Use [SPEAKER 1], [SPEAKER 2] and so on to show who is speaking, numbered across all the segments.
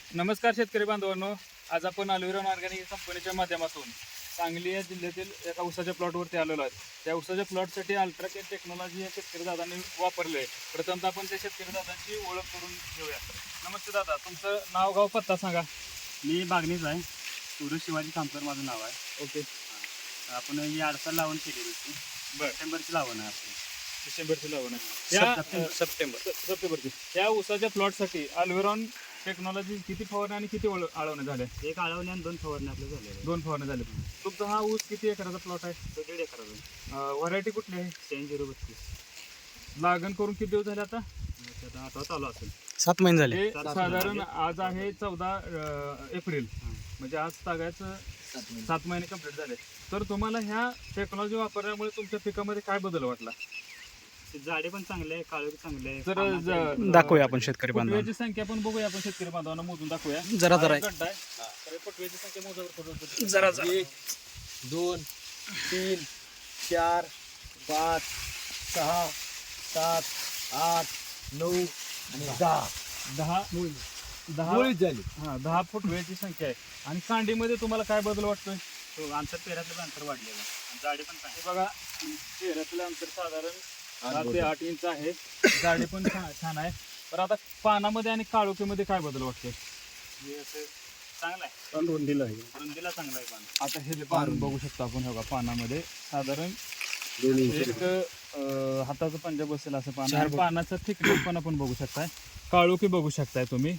[SPEAKER 1] नमस्कार शेतकरी बांधवांनो, आज आपण अल्विरॉन ऑर्गॅनिक कंपनीच्या माध्यमातून सांगली या जिल्ह्यातील एका उसाच्या प्लॉटवरती आलेलो आहे. त्या उसाच्या प्लॉटसाठी अल्ट्राकेन टेक्नॉलॉजी या शेतकरी दादांनी वापरले. प्रथमतः आपण त्या शेतकरी दादांची ओळख करून घेऊया. नमस्ते दादा, तुमचं नाव गाव पत्ता सांगा.
[SPEAKER 2] मी बागणीच आहे. सूरज शिवाजी कामकर माझं नाव आहे.
[SPEAKER 1] ओके,
[SPEAKER 2] आपण ही आडसाल लावण केलेली होती.
[SPEAKER 1] बरं.
[SPEAKER 2] सप्टेंबरची लावण आहे आपली.
[SPEAKER 1] डिसेंबरची लावण आहे. सप्टेंबरची त्या उसाच्या प्लॉटसाठी अल्विरॉन टेक्नॉलॉजी किती फवारणी आणि किती आळवणे झाले?
[SPEAKER 2] एक आळवणी आणि 2 फवारणी आपल्या झालेल्या
[SPEAKER 1] 2 फवारणी झाले. तुमचा हा ऊस किती एकराचा प्लॉट आहे?
[SPEAKER 2] 1.5 एकराचा.
[SPEAKER 1] व्हरायटी कुठली आहे?
[SPEAKER 2] 6032.
[SPEAKER 1] लागण करून किती दिवस झाले आता?
[SPEAKER 2] आता आठवा चालू असेल.
[SPEAKER 3] 7 महिने झाले.
[SPEAKER 1] हे साधारण आज आहे 14 एप्रिल, म्हणजे आज तागायचं 7 महिने कंप्लीट झाले. तर तुम्हाला ह्या टेक्नॉलॉजी वापरल्यामुळे तुमच्या पिकामध्ये काय बदल वाटला?
[SPEAKER 2] झाडे पण चांगले आहे, काळोखी चांगले आहे.
[SPEAKER 1] तर
[SPEAKER 3] दाखवूया आपण शेतकरी बांधवांना.
[SPEAKER 1] फुटव्याची संख्या पण बघूया आपण शेतकरी बांधवांना मोजून दाखवूया.
[SPEAKER 3] जरा
[SPEAKER 1] हा
[SPEAKER 3] जरा
[SPEAKER 1] एक गड्डा आहे. तर फुटव्याची संख्या मोजावर
[SPEAKER 3] जरा
[SPEAKER 4] 1 2 3 4 5 6 7 8 9 आणि 10 मुळीच झाली.
[SPEAKER 1] 10 फुटव्याची संख्या आहे. आणि कांडीमध्ये तुम्हाला काय बदल वाटतोय?
[SPEAKER 2] तो अंतर पेरातलं अंतर वाढलेलं आहे. आणि झाडे पण चांगले.
[SPEAKER 1] हे बघा, चेहऱ्यातलं अंतर साधारण 7 ते 8 इंच आहे. झाडे पण छान आहे. तर आता पानामध्ये आणि काळोखीमध्ये काय बदल वाटतोय?
[SPEAKER 2] हे असं चांगलं आहे.
[SPEAKER 4] रुंदीला आहे.
[SPEAKER 2] रुंदीला चांगलं आहे पान.
[SPEAKER 1] आता हे जे पान बघू शकतो आपण, हे बघा पानामध्ये साधारण एक हाताचं पंजा बसेल असं पान आहे. पानाचा थिकनेस पण आपण बघू शकताय, काळोखी बघू शकताय तुम्ही.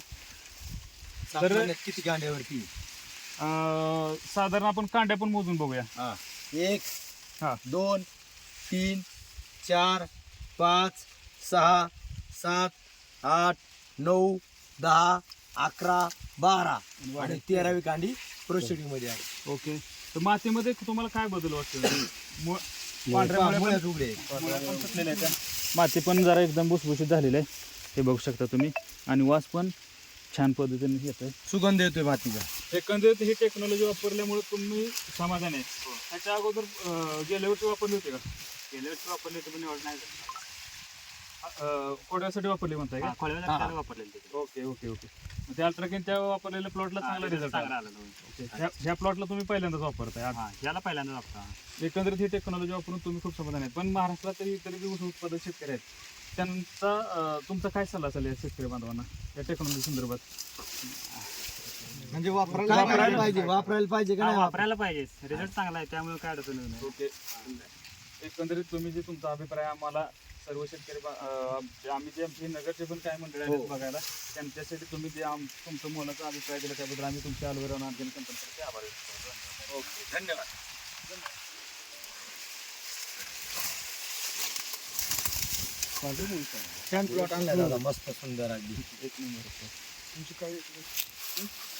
[SPEAKER 1] तर
[SPEAKER 4] किती कांड्यावरती?
[SPEAKER 1] साधारण आपण कांड्या पण मोजून बघूया.
[SPEAKER 4] 1
[SPEAKER 1] हा.
[SPEAKER 4] 2 3 4 5 6 7 8 9 10 11 12 आणि 13वी कांडी प्रोसिडिंग मध्ये आहे.
[SPEAKER 1] ओके, तर मातीमध्ये तुम्हाला काय बदल वाटतो?
[SPEAKER 4] मुळ्यात उघडे आहेत.
[SPEAKER 1] पण सुटलेल्या आहेत त्या. माती पण जरा एकदम भुसभुशीत झालेली आहे, हे बघू शकता तुम्ही. आणि वास पण छान पद्धतीने येत आहे.
[SPEAKER 4] सुगंध येतोय मातीचा.
[SPEAKER 1] एकंदरीत ही टेक्नॉलॉजी वापरल्यामुळे तुम्ही समाधान आहे? त्याच्या अगोदर गेल्या वर्षी वापरली होती का?
[SPEAKER 2] गेल्या वर्षी वापरले तर पण एवढं नाही झालं.
[SPEAKER 1] कोड्यासाठी वापरली म्हणताय का?
[SPEAKER 2] खोळव्याला त्याला वापरलेलं ते.
[SPEAKER 1] Okay okay okay. ते अल्ट्राकेन त्या वापरलेल्या प्लॉटला चांगला रिझल्ट
[SPEAKER 2] चांगला
[SPEAKER 1] आला.
[SPEAKER 2] आला तो.
[SPEAKER 1] ओके. ह्या प्लॉटला तुम्ही पहिल्यांदाच वापरताय आज.
[SPEAKER 2] हा, याला पहिल्यांदा वापरा.
[SPEAKER 1] एकंदरीत ही टेक्नॉलॉजी वापरून तुम्ही खूप समाधान आहे. पण महाराष्ट्रात इतर जे ऊस उत्पादक शेतकरी आहेत, त्यांचा तुमचा काय सल्ला असेल या शेतकरी बांधवांना या टेक्नॉलॉजी संदर्भात?
[SPEAKER 4] म्हणजे वापरायला पाहिजे का
[SPEAKER 2] हा,
[SPEAKER 4] नाही?
[SPEAKER 2] वापरायला पाहिजे. रिझल्ट चांगला आहे, त्यामुळे काय अडचण नाही.
[SPEAKER 1] ओके. एकंदरीत तुम्ही जे तुमचा अभिप्राय आम्हाला सर्व शेतकरी आम्ही जे आमची नगरचे पण काय मंडळी आहेत बघायला, त्यांच्यासाठी तुम्ही जे तुमचं मोलाचा अभिप्राय दिला त्याबद्दल आम्ही तुमच्या अल्विरॉन ऑर्गॅनिक कंपनीचे आभार व्यक्त करतो. ओके, धन्यवाद.
[SPEAKER 4] छान प्लॉट आणला दादा, मस्त सुंदर अगदी.
[SPEAKER 1] एक नंबर. तुमची काय